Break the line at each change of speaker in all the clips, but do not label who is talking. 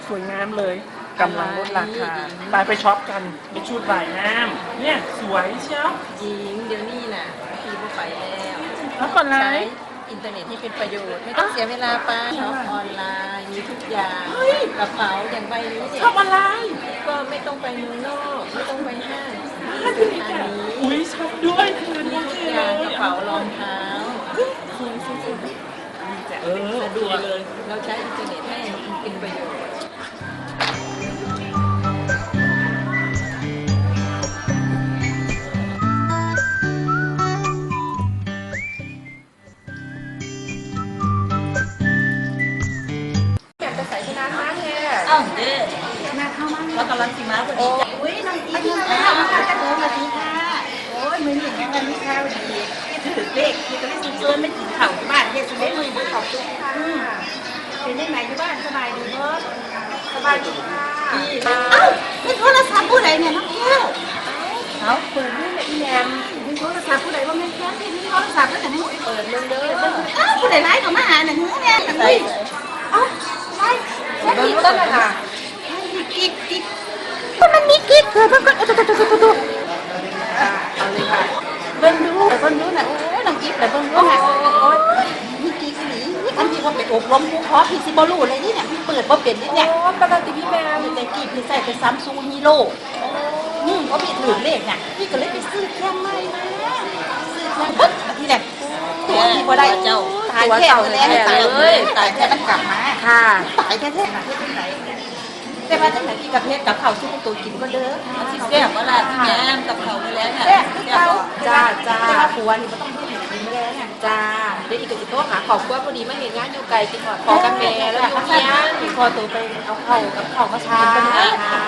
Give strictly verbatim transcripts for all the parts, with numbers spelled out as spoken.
สวยงามเลยกำลังลดราคาไปไปช็อปกันเป็นชุดว่ายน้ำเนี่ยสวยเชียว
จริงเดี๋ยวนี้น่ะพี่บ่ไปแล้ว
แล้วก่อนไร
ใช้อินเทอร์เน็ตที่เป็นประโยชน์ไม่ต้องเสียเวลาไปช็อปออนไลน์มีทุกอย่างกระเป๋าอย่างใบนี้เนี่ย
ชอบอะไร
ก็ไม่ต้องไปเมืองนอกไม่ต้องไปห้างที่ทางนี้
อุ้ยชอบด้วยคืน
มี
นี้
ทุก
เล
อย่างกระ
ย
เป๋ารองเท้า
เออ
สะด
ดี
วก
เลย
เราใช้อินเทอร์เน็ตให้เป็นประโยชน์
อยากจะใส่ชนะมาเนี่ย
อ้าวเด้มาเข้ามาแล้วกำลังสิมาพอดีจ้ะอุ้ยน้องอีกแล้วมาค่ะจะโทรมาดีค่ะโอ้ยมือหนึ่งวันนี้ค่ะวันดีที่ถือเลขที่จะไม่ซื้อเกินไม่กินข้าวที่บ้านเฮ็ดสุดได้มือขอบคุณค่ะเป็นยังไงที่บ้านสบายดีเนาะสบายดีค่ะเอ้าเป็นโทรศัพท์ผู้ใดเนี่ยน้องแก้วเขาเปิดนี่แหละอีแยมเป็นโทรศัพท์ผู้ใดว่าแม่แก้วที่มีโทรศัพท์แล้วแต่ให้เปิดเบิ่งเด้อเอ้าผู้ใดไลฟ์เข้ามาหาหนังหูเนี่ยใส่เอ้าไลฟ์แค่นี้ก็ได้ค่ะกิ๊กกิ๊กก็มันมีกิ๊กเธอเพิ่งก็ตุ๊ตุ๊ตุ๊ตุ๊ตุ๊ตุ๊เอาเลยค่ะเบิ่งดูเบิ่งดูนะโอ้ยน้องกิ๊กแต่เบิ่งดูนะโอ้ยมีกิ๊กสีอันที่ว่าไปอบรมผู้เพาะพี่ซิบอลูอะไรนี่เนี่ยพี่เปิดว่าเป็นนี่เนี่ย
โอ้ปกติพี่แมว
แต่กี้พี่ใส่ไปซัมซุงฮีโร่อืมเพราะพี่ถือเลขเนี่ยพี่ก็เลยไปซื้อแค่ใหม่มาซื้อแค่ปุ๊บที่เนี่ยตัวพี่พอได้เจ้าตายแค่แล้วตายเลยตายแค่มันกลับมา
ค่ะ
ตายแค่แค่มาที่ไหนแต่ว่าตั้งแต่ที่กับเพชรกับเขาที่พวกตัวกินก็เด้อที่แซ่บว่าล่ะพี่แม่กับเขาไปแล้วเนี่ยแซ่บจ้าจ้าแต่ว่าผัวนี่มันต้องพูดถึงกินไม่ได้เนี่ย
จ้าเดี๋ยวอีกกับอีกโต๊ะหาของกว่าพอดีมาเห็นงานอยู่ไกลกินหอดพอกันแม่แล้วอยู่เนี้ย
พอตัวไปเอาเข้ากับเขามาทานกันนะ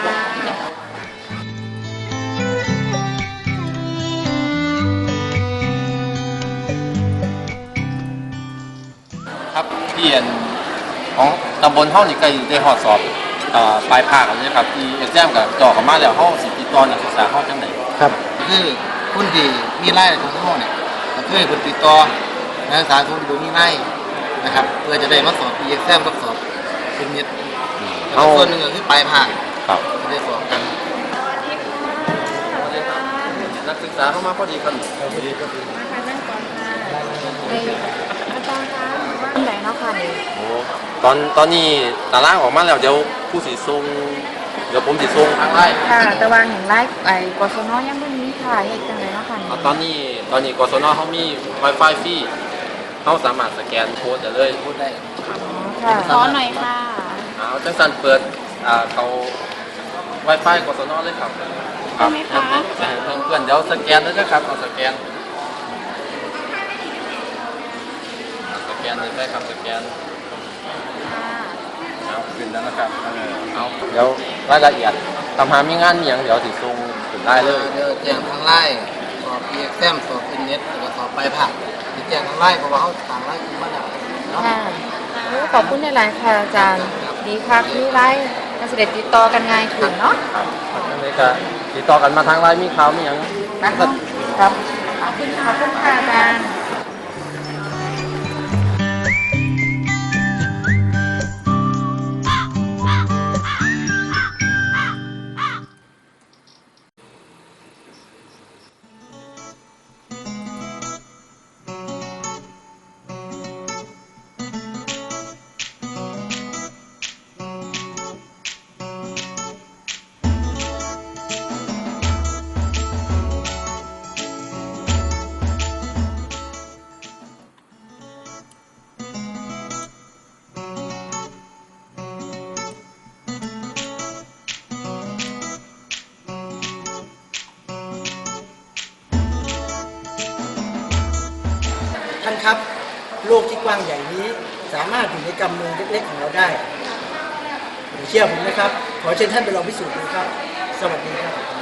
ครับเปลี่ยนของตำบลห้องนี่ก็ได้หอดสอบอ่าปลายภาคแล้วนะครับที่เอ็กแซมกับจ่อเข้ามาแล้วห้องสิติดต่อนักศึกษาห้องจังไหน
ครับคือคนที่มีไร่ของเขาเนี่ยก็คือคนติดต่อนักศึกษาคนที่ดูมีไร่นะครับเพื่อจะได้มาสอบ อี เอ็กซ์ เอ็ม กับสอบเป็นนิดแล้วก็ส่วนหนึ่งก็คือปลายภาค
ครับ
จะได้สอบกัน
นักศึกษาเข้ามาพอดีครับพอดีก็ดี
อาจารย์คะว่าอันไหนเนาะค่ะนี่
โอ้ตอนตอนนี้ตารางออกมาแล้วเดี๋ยวผู้สีทรงเดี๋ยวผมสีทรงทางไล่
ค่ะแต่ว่าเห็นไลฟ์ไอ้กศนยังไม่มีค่ะเฮ็ดจังไดเนาะค่ะนี่
เอาตอนนี้ตอนนี้กศนเขามี Wi-Fi ฟรีเขาสามารถสแกนโค้ดได้เลย
พูดได้
ค่ะขอหน่อยค่ะ
เอาจังสันเปิดอ่าเขา Wi-Fi กศนเลยครับครับเพื่อนๆเดี๋ยวสแกนเลยนะครับเอาสแกนสแกนเลยได้ครับสแกนเอาขึ้นแล้วนะครับเอาเดี๋ยวรายละเอียดทำหามีงานมีอย่างเดี๋ยวสิส่งถึงได้เลย
เดี๋ยวแจ้งทางไร่สอบ อี เอ็กซ์ เอ็ม สอบเป็นเน็ตแล้วก็สอบปลายภาคจะแจ้งทางไร่เพราะว่าเขาต่างไร่คือมาแล้วเนาะ
ค่ะโอ้ขอบคุณในหลายๆค่ะอาจารย์ดีค่ะที่ไลฟ์การเสด็จติดต่อกันง่ายขึ้นเนาะ
ครับอันนี้ก็ติดต่อกันมาทางไลน์มีข่าวมีอย่าง
นะคะครับขอบคุณขอบคุณค่ะอาจารย์
ท่านครับโลกที่กว้างใหญ่นี้สามารถอยู่ในกำมือเล็กๆของเราได้เชื่อผมนะครับ ขอเชิญท่านไปลองพิสูจน์ดูครับ สวัสดีครับ